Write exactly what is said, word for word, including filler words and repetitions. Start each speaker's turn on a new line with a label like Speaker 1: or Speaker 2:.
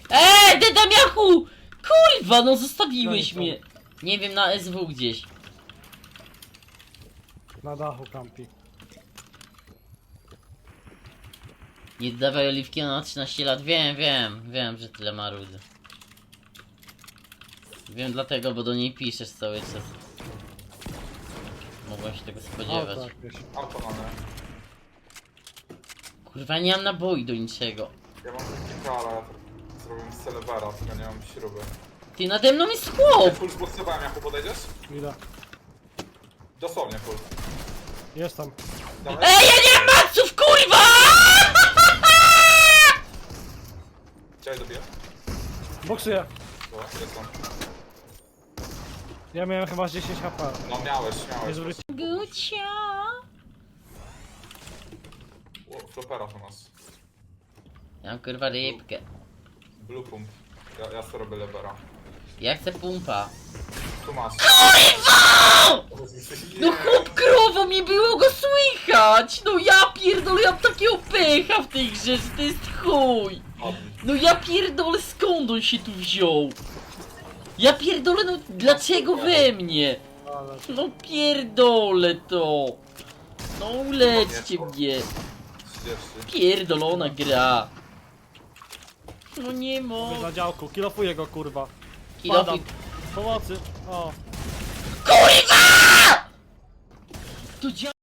Speaker 1: Eee, dedamiachu! Kurwa, no zostawiłeś
Speaker 2: No i
Speaker 1: mnie. Nie wiem, na S W gdzieś.
Speaker 2: Na dachu kampi.
Speaker 1: Nie dawaj oliwki na trzynaście lat. Wiem, wiem, wiem, że tyle ma rudy. Wiem dlatego, bo do niej piszesz cały czas. Mogłem się tego spodziewać.
Speaker 2: Auto jakieś.
Speaker 3: Auto mamy.
Speaker 1: Kurwa, nie mam naboi do niczego.
Speaker 3: Ja mam kilka, ale ja to zrobiłem z Celebera, tylko nie mam śruby.
Speaker 1: Ty, nade mną jest chłop!
Speaker 3: Full zboksowałem, Jaku, podejdziesz?
Speaker 2: Idę.
Speaker 3: Dosłownie full.
Speaker 2: Jestem.
Speaker 3: Dawaj.
Speaker 1: Ej, ja nie mam maców, kurwa!
Speaker 3: Chciałeś dobiję?
Speaker 2: Boksuję.
Speaker 3: Dobra, jest on.
Speaker 2: Ja miałem chyba z dziesięć H P.
Speaker 3: No miałeś,
Speaker 2: Nie
Speaker 3: miałeś.
Speaker 2: zwróci.
Speaker 1: Gucia.
Speaker 3: O, flopera to nas.
Speaker 1: Ja mam kurwa rybkę.
Speaker 3: Blue pump. Ja, ja sobie robię levera.
Speaker 1: Ja chcę pumpa.
Speaker 3: Tu masz.
Speaker 1: No chłop krowo, mi było go słychać! No ja pierdolę, ja mam takiego pecha w tej grze, że to jest chuj! No ja pierdolę, skąd on się tu wziął? Ja pierdolę, no dlaczego we mnie?
Speaker 2: Ale...
Speaker 1: No pierdolę to! No ulećcie mnie!
Speaker 3: trzydzieści.
Speaker 1: Pierdolona gra! No nie
Speaker 2: Jest
Speaker 1: mogę.
Speaker 2: na działku. Kilofuję go, kurwa.
Speaker 1: Kilofi...
Speaker 2: Padam. Pomocy. O.
Speaker 1: KURWA! To dzia...